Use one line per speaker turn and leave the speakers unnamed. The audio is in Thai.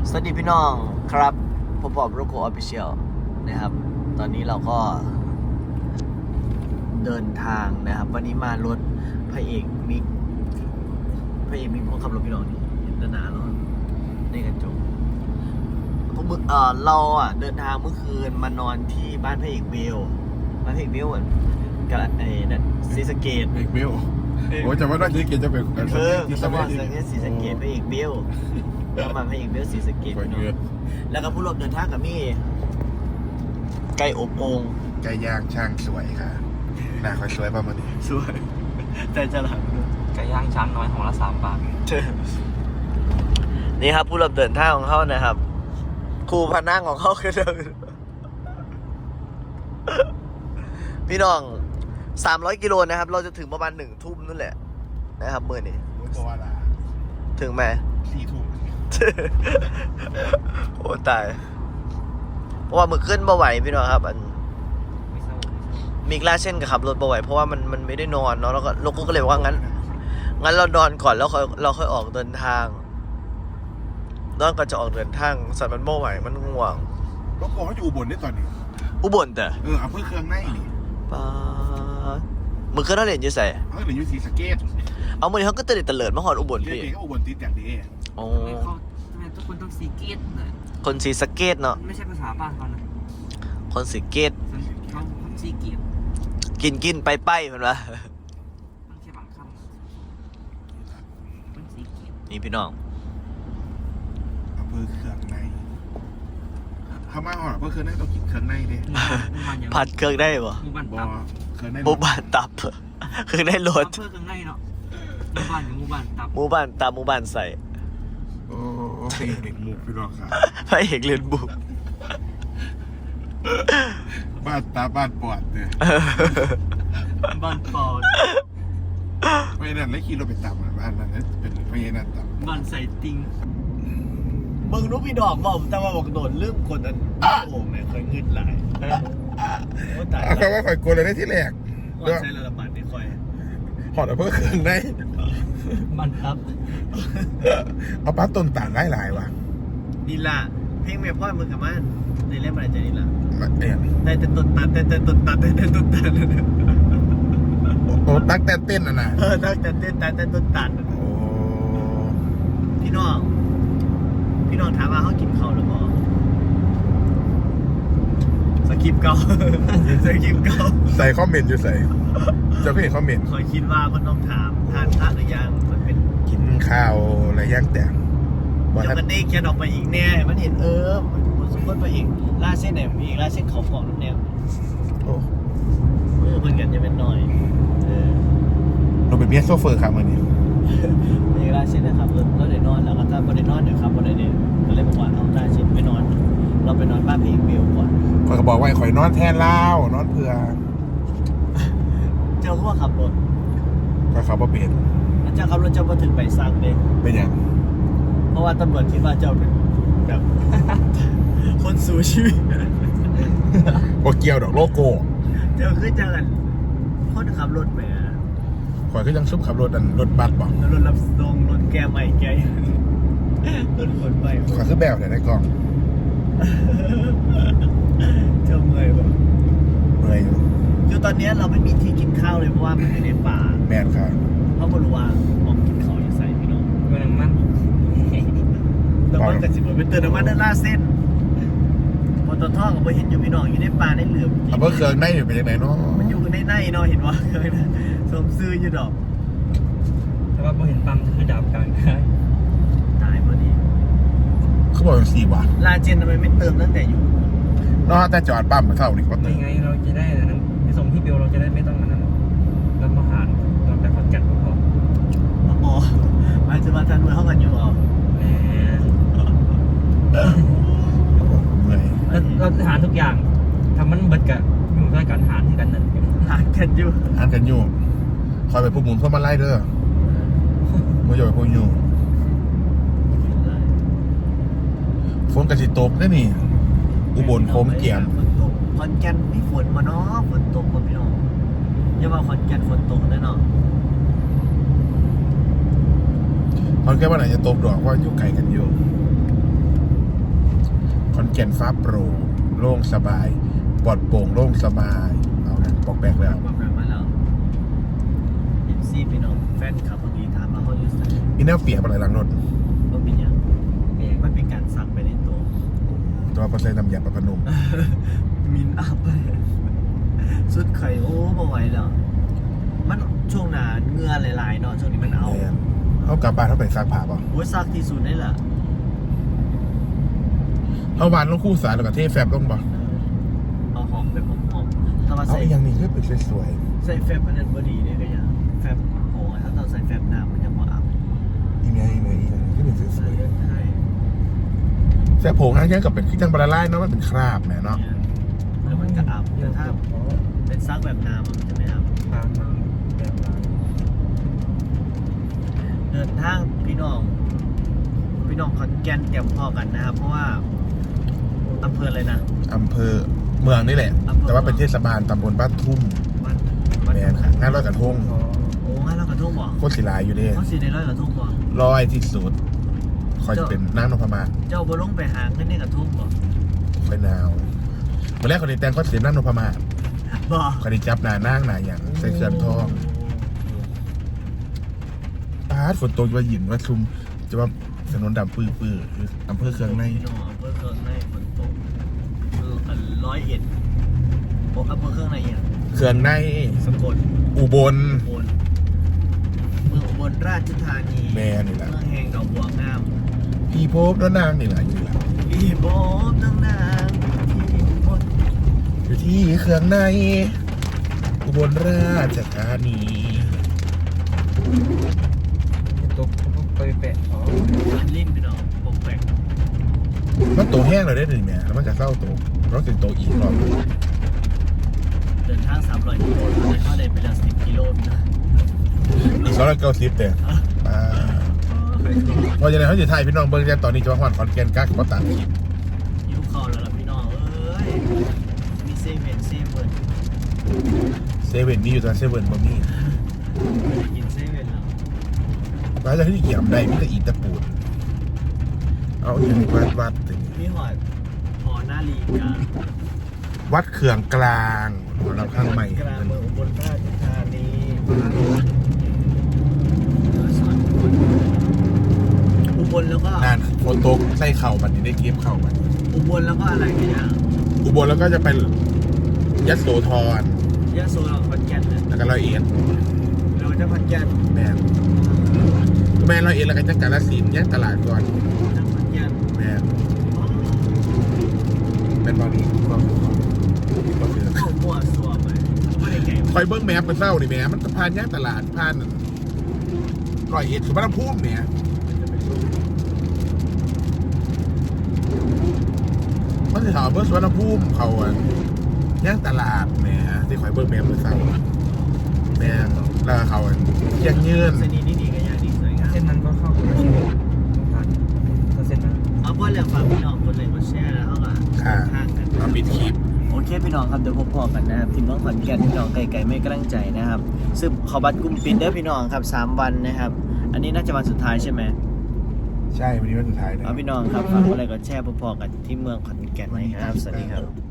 สวัสดีพี่น้องครับผมบอบโรโกออฟฟิเชียลนะครับตอนนี้เราก็เดินทางนะครับวันนี้มารถพระเอกมิกคนขับรถพี่น้องนี่เห็นหนาแล้วในกระจกเราเดินทางเมื่อคืนมานอนที่บ้านพระเอกเบลกับนั่นศรีสะเกษ
เอกเบลโอ้จะว่าได้ศรีสะเกษจะเป็น
สมองศรีสะเกษพระเอกเบลแล้วมาพระเอกเบลศรีสะเกษแล้วก็ผู้ร่วมเดินทางกับมี่ไก่อบโอ่ง
ไก่ย่างช่างสวยค่ะหน้าคอยสวยประมาณนี้
สวยใจจะหลัง
ไก่ย่างช้างน้อยของละ3 บาท
นี่ครับผู้ร่วมเดินทางของเขานะครับครูพนั่งของเขาคือเดิมพี่น้อง300 กิโลนะครับเราจะถึงประมาณ1 ทุ่มนั่นแหละนะครับเมื่อนี้
ตัวว่าละ
ถึงไหม
4 ทุ่ม
โอ้ตายเพราะว่ามือขึ้นบ่ไหวพี่น้องครับมีกล้าเช่นกับขับรถบ่ไหวเพราะว่ามันไม่ได้นอนเนาะแล้วก็ลูกก็เลยบอกว่างั้นเรานอนก่อนแล้วเราค่อยออกเดินทางนอนก่อนจะออกเดินทางสัตว์มันบ่ไหวมันง่วง
รถโกเขาอยู่อุบลได้ตอนนี้
อุบลแต่
อำเภอเครื่องในนี่
ป้ามือขึ้นเราเรียนอยู่ใส่
เขาเหลืออยู่ศรีสะเกษ
เอามือเขาก็เตลิดมาหอดอุบล
เรีย
พี่
นก็อุบลติดอย่างดี
โอ้
ทำไมทุกคนต้องซีเกตเลย
คนศรีสะเกษเนาะ
ไม่ใช่ภาษาบ้านเขานะ
คนศรีเกษ
เขาซีเกต
กินไปเห็นปะ
มันแค่บางคำมันซีเกต
นี่พี่น้อง
อำเภอเครื่องในเขามาหอดอำเภอเครื่องในต้องกินเครื่องในเด้
ผัดเครื่องได้ปะ
หมู่บ้าน
บอ
ตับ
เครื่องใน
หมู่บ้านตับ คือได้รถ
อำเภอข้างในเนาะหมู่บ้านกับหมู่บ้านตับ
หมู่บ้านตับหมู่บ้านใส่
โอ้เด็กหมูพี่น้องค่ะ
พระเอกเรียนบุก
บ้านตาบ้านปอดเนี่ย
บ้านปอด
ไม่นั่นแล้วขี่รถไปตามบ้านนั้นเป็นไม่ใช่นั่นตาม
บ้านใส่ติง
มึงรู้พี่ดอกบอกแต่ว่าบอกโดนลืมคนนั้นโอ่งเนี่ยเคยเงินหลายโอ้ตาย
เอาคำว่าข่อยกลัวเลยได้ที่แรก
ก่อนใช้ระบาดไม่ค่อย
หอดอำเภอเครื่องใน
บ้านตับ
เอาปั๊บต้นต่างหลายๆว่ะ
นี่ล่ะเพลงแม่พ่อมึงกับมันในเล่มอะไรจะนี่ล่ะ
เอ็น
ได้แต่ต้นตัดได้ต้นตัด
โอ้ตักแต่เต้นอ่ะนะ
ได้แต่เต้นแต่ต้นตัด
โอ้
พี่น้องถามว่าเขากินข้าวหรือเปล่าสคริปต์เก่า
ใส่คอมเมนต์อยู่ใส่เจ้าพี่เห็นคอมเมนต์
คอยคิดว่าคนต้องถามทานพระหรือยังมันเป็น
กินข้าวอะไรย่างแต่งบอก
เดี๋ยว
ท่าน
มันได้เขียนออกไปอีกแน่มันเห็นมันสมมติไปอีกล่าเส้นไหนมีล่าเส้นเขาฟองน้ำแนว
โอ้
เพิ่งกันจะเป็นหน่อย
เราเป็นเมียโซเฟอร์ครับวันนี้
มีล่าเส้นนะครับแล้วเดี๋ยวนอนแล้วก็ถ้าไม่ได้นอนเดี๋ยวครับไม่ได้เนี่ยก็เลยบอกว่าเอาล่าเส้นไปนอน เราไปนอนบ้านพี่เบลก่อน
ข่อยก็บอกว่าข่อยนอนแทนเล่านอนเพื่อ
เจ้าก็ว่าขับรถ
ก็เขาบ่เปลี่ยน
แล้วเจ้าขับรถเจ้าก็ถึงไปซักเลย
เป็นอย่าง
เพราะว่าตำรวจคิดว่าเจ้าเป็นแบบ คนสู้ชีวิต
บ่เกี่ยวดอกโลโก้
เจ้าคือจังกันคนขับรถไป
ข่อยก็ยังซุปขับรถรถบัสบอก
รถรับส่งรถแก้ใหม่แก้รถคนใหม่
ข่อยคือแบบไหนในกล่อง
เจ้าเมื่อยปะ
เมื่อยอยู่
คือตอนนี้เราไม่มีที่กินข้าวเลยเพราะว่ามันอยู่ในป่า
แมนค่ะ
เพราะบริวารออกกินข้าวอยู่ใส่พี่น้อง
เมืองมัน
แต่ว่ากับสิบเหมือนเป็นเตือนน้ำมันนั่นล่าเส้นพอตอนท่อกับพอเห็นอยู่พี่น้องอยู่ในป่าในเหลือบ
เอาเพื่อเครื่องในอยู่เป็นยังไงเนาะ
มันอยู่ในเนาะเห็นว่าสมซื้ออยู่ดอก
แต่ว่าพอเห็นปั๊มคือดาบกลางได้
ตายพอดี
เขาบอกว่า4 บาท
ลาเจนทำไมไม่เติมตั้งแต่อยู่
เนาะแต่จอดปั๊มมาเท่านี้ก็เติ
ไม่
ม
ไงเราจะได้นั้นไปส่งที่เบลเราจะได้ไม่ต้องนั่นรับอาหารเราไปขอนแก่นก็พอ
อ๋อหมายถึงว่าท่านมือเข้ากันอยู่อ๋อ
แหม
เมื่อย
เราหารทุกอย่างทำมันเบิดกับอยู่ด้วยกันหารที่กันนั่น
หากันอยู่
อ่านกันอยู่คอยไปพวกหมุนเข้ามาไล่เด้อเมื่ออยู่ไปพวกอยู่ฝนกระสิตกได้นี่ อุบลโคมเกียม
ฝนตกขอนแก่นมีฝนมาเนาะฝนตกมาพี่น้องอย่าว่าขอนแก่นฝนตกแน่นอน
ตอนแค่ว่าไหนจะตกดอกว่าอยู่ไกลกันอยู่แก่นฟ้าโปร่งโล่งสบายปลอดโปร่งโล่งสบายเอานะปอกแปลกแล้ว
บอกแบบมาแล้วเอฟซีพี่น้องแฟนคลับบางทีถามมาเขาอยู่ไหน
มีแนวเปียกอะไรหลังรถ
ว่าเป็นยังมันเป็นการซักไปในตัว
ตัวพอใส่น้ำยาปะพนุ่ม
มินอัพไปสุดไข่โอ้บ่ไหวแล้วมันช่วงหนาเหงื่อหลายๆเนาะช่วงนี้มันเอา
เขากลับบ้านเขาไปซักผ้าป่ะ
โอ้ยซักที่สุดนี่แหละ
เขาวานลงคู่สายแล้วก็เทแฟบลงป่ะ
เอาหอมไปหอมๆถ้ามา
เอา
ใส่
อีกอย่างนี้คือเป็นสวย
ใส่แฟบอันนั้นพอดีเนี่ยก็ยังแฟบโหถ้าเราใส่แฟบน้ำมันจะบ่อัพ
ๆอีกอย่างที่เป็นส
ใส่
วย
ได้
ๆแต่ผงนั่นกับเป็นขี้จังบาราไล่เนาะมันเป็นคราบแหมเนาะ
แล้วมันก็อัพแต่ถ้าเป็นซักแบบน้ำมันจะไม่อัพ
ทางมันแบบร้าน
เดินทางพี่น้องขอนแก่นเตรียมพอกันนะครับ เพราะว่าอำเภออะไรนะ
อำเภอเมืองนี่แหละ แต่ว่าเป็นเทศบาลตำบลบ้านทุ่ม
วัด
แมนค่ะงานลอยกระทง
อ๋อ
โอ้งั้นเรากระทุ่งบ่
โคตรศิลาอยู่เด้
เขาสีในร้อยกระทุ่งบ่
ลอยที่สุดคอยจะเป็นนางนพมาศ
เจ้าบ่ลงไปหาเงินในกระทุ่งบ่
คอยหนาวเมื่อแรกคนนี้แต่งก็เสียนางนพมาศ
บ่
คนนี้จับหน้านางหนาอย่างใส่เสื้อทองปาดฝนตกว่าหยินว่าชุมจะว่าถนนดำปื้ออำเภอเครื่องใน
พี่น้องอำเภอเครื่องในฝนตก101โอ้อำเภอเครื่องในอ่ะ
เครื่องใน
สกล
อุบล
อุบลเมืองอุบลราชธานี
แม่นี่แหละ
เมืองแห่งดอกบัวงาม
พี่พบแล้วนางนี่แหละอยู่นี่แหละ
อีโบมตั้งนานที่บน
อยู่ที่เครื่องใน อุบลราชธานี
ตกไปแปะอ๋อ
ลิ้นพี่น้องปกแปก
มันโตแห้งเลยได้หนึ่งเนี่ยแล้วมันจะเศร้าโตรถติดโตอีกรอบหนึ่ง
เดินทาง300กิโลตอนนี้เขาได้ไปแล้ว10กิโลนะ
อีก290แต่พอจะไหนเขาจะถ่ายพี่น้องเบิ้งแต่ตอนนี้จะมาฮอดขอนแก่นกักก็ตัดคลิป
ยิ้วเข้าแล้วล่ะพี่น้องเอ้ยมีเซเว่น
เซเว่นมีอยู่แต่เซเว่นบ่มี
ไม่ได้กินเซเว่นแล้ว
ร้านจะที่เกี่ยมได้มีแต่อีตะปูนเอาอย่างนี้วัดติ
มีหอดหอหน้าลีกา
วัดเขื่องกลางหัวลำข้างใหม่
กลางเมืองอุบลราชธานีอุบลแล้วก็
นานโฟโตกใส่เข่ามันนี่ได้เกมเข่ามัน
อุบลแล้วก็อะไรกันเนี่ย
อุบลแล้วก็จะเป็นยโสธร
ยะโสเราขอนแก่นเนี่ย
แล้วก็ร้อยเอ็ด
เราจะขอนแก่น
แม่ร้อยเอ็ดแล้วก็จะกาฬสินธุ์แยกตลาดก่อน
จังหวัดแก่น
แม่เป็นบอดี้ก็คือ
เข้ามั่วสัวไปไม่ได้ไก่
คอยเบิ้งแมพกันเศร้าดิแม่มันผ่านแยกตลาดผ่านร้อยเอ็ดสุวรรณภูมิเนี่ยมันจะถามเบิ้งสุวรรณภูมิเขาอ่ะแยกตลาดแม่ที่คอยเบิ้งแมพกันเศร้าแม่แล้วเขาอ่ะเที่ยงยืน
เส้นนี้นี่ดีกันอย่างดีสวยงาม
เส้นนั้นก็เข้าไปที่ผ่านถ้าเส้นนั้น
เอาเพื่อนแล้วฝากพี่น้องกดไลค์กดแชร์แล้วก็
ค่ะ
ทางกัน
มาปิดคลิป
โอเคพี่น้องครับเดี๋ยวพบพอกันนะครับทีมน้องขอนแก่นพี่น้องไก่ไม่กำลังใจนะครับซึ่งเขาบัตรกลุ่มปิดเด้อพี่น้องครับ3 วันนะครับ อันนี้น่าจะวันสุดท้ายใช่ไหม
ใช่วันนี้วันสุดท้ายนะ
เอาพี่น้องครับฝากกดไลค์กดแชร์พอๆกันที่เมืองขอนแก่นนะครับสวัสดีครับ